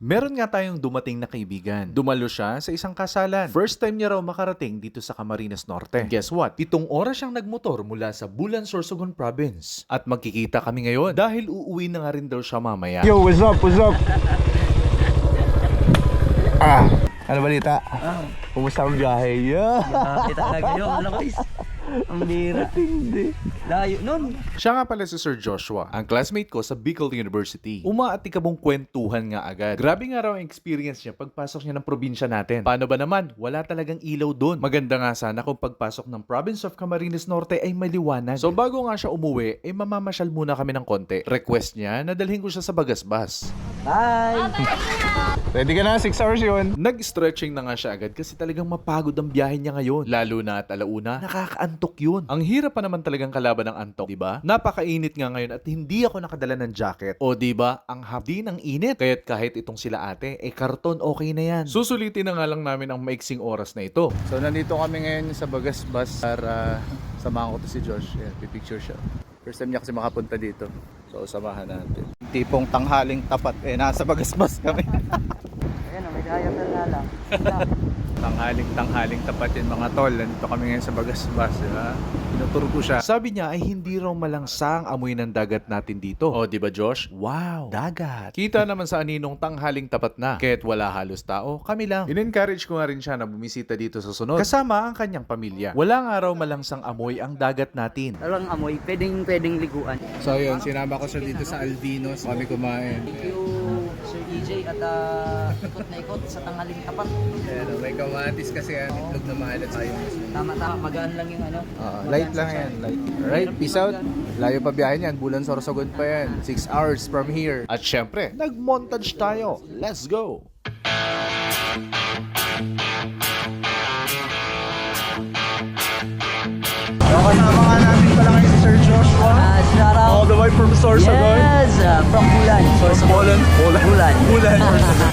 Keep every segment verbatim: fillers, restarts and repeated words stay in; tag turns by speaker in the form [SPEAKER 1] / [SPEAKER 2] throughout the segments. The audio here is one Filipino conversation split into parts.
[SPEAKER 1] Meron nga tayong dumating na kaibigan. Dumalo siya sa isang kasalan. First time niya raw makarating dito sa Camarines Norte. Guess what? Pitong oras siyang nagmotor mula sa Bulan, Sorsogon Province. At magkikita kami ngayon dahil uuwi na nga rin daw siya mamaya.
[SPEAKER 2] Yo, what's up? What's up? Ah, ano balita?
[SPEAKER 3] Ah,
[SPEAKER 2] Kumusta ang biyahe? Yeah.
[SPEAKER 3] kita talaga yun. Ano guys? Ang bira.
[SPEAKER 2] Hindi.
[SPEAKER 3] Layo nun.
[SPEAKER 1] Siya nga pala si Sir Joshua, ang classmate ko sa Bicol University. Umaatikabong kwentuhan nga agad. Grabe nga raw ang experience niya pagpasok niya ng probinsya natin. Paano ba naman? Wala talagang ilaw doon. Maganda nga sana kung pagpasok ng Province of Camarines Norte ay maliwanag. So bago nga siya umuwi, ay mamamasyal muna kami ng konti. Request niya na dalhin ko siya sa Bagasbas.
[SPEAKER 3] Bye!
[SPEAKER 2] Ready ka na? six hours yun.
[SPEAKER 1] Nag-stretching na nga siya agad kasi talagang mapagod ang biyahe niya ngayon. Lalo na at alauna, nakakaantok yun. Ang hirap pa naman talagang kalaban ng antok, di ba? Napakainit nga ngayon at hindi ako nakadala ng jacket. O di ba, ang hapdi ng init. Kaya't kahit itong sila ate, eh karton okay na yan. Susulitin na nga lang namin ang maiksing oras na ito.
[SPEAKER 2] So nandito kami ngayon sa Bagasbas para samahan ko to si Josh. Yan, pipicture siya. First time niya kasi makapunta dito. So samahan natin. Tipong tanghaling tapat eh nasa Bagasbas kami.
[SPEAKER 3] Ayan, may kaya na lang.
[SPEAKER 2] tanghaling tanghaling tapat yun mga tol. Nandito kami ngayon sa Bagasbas, di ba? Tinuturo ko siya.
[SPEAKER 1] Sabi niya ay hindi raw malangsang amoy ng dagat natin dito. O di ba Josh? Wow, dagat. Kita naman sa aninong tanghaling tapat na. Kaya't wala halos tao, kami lang. In-encourage ko nga rin siya na bumisita dito sa sunod. Kasama ang kanyang pamilya. Wala nga raw malangsang amoy ang dagat natin.
[SPEAKER 3] Talagang amoy, pwedeng pwedeng liguan.
[SPEAKER 2] So yun, sinama ko siya dito sa Alvinos. Kami kumain.
[SPEAKER 3] Thank you, Sir E J, at uh, ikot na ikot sa tanghaling tapat.
[SPEAKER 2] Ayan, may kamatis kasi yan. Itlog na maalat tayo.
[SPEAKER 3] Tama-tama, magaan lang yung ano.
[SPEAKER 2] Uh, light lang yan, light. Alright, peace out. Layo pa biyahe niyan, Bulan, Sorsogon pa yan. six hours from here.
[SPEAKER 1] At syempre, nag-montage tayo. Let's go!
[SPEAKER 2] So kasama nga natin pala ngayon si Sir Joshua.
[SPEAKER 3] Uh, shout out.
[SPEAKER 2] All the way from Sorsogon.
[SPEAKER 3] Yes, uh, from Bulan. Sorsogon.
[SPEAKER 2] Bulan, Bulan.
[SPEAKER 3] Bulan.
[SPEAKER 2] Bulan, Sorsogon.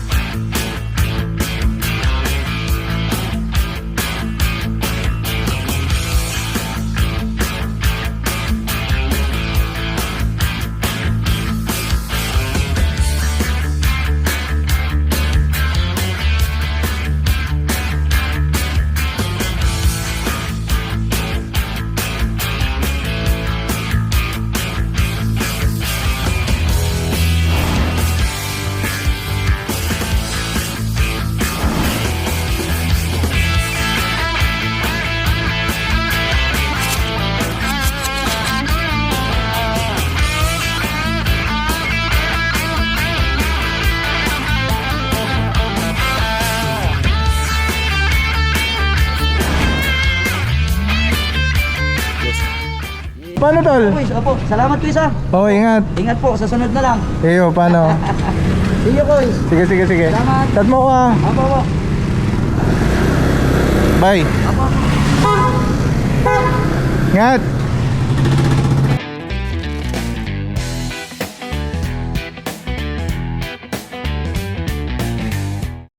[SPEAKER 2] Paano tol?
[SPEAKER 3] Kuis, opo, salamat Kuis ah.
[SPEAKER 2] Oo, ingat.
[SPEAKER 3] Ingat po, sa sunod na lang.
[SPEAKER 2] Eyo, paano?
[SPEAKER 3] See you Kuis.
[SPEAKER 2] Sige, sige, sige.
[SPEAKER 3] Salamat.
[SPEAKER 2] Tat mo ko ah.
[SPEAKER 3] Apo, apo.
[SPEAKER 2] Bye.
[SPEAKER 3] Apo.
[SPEAKER 2] Ingat.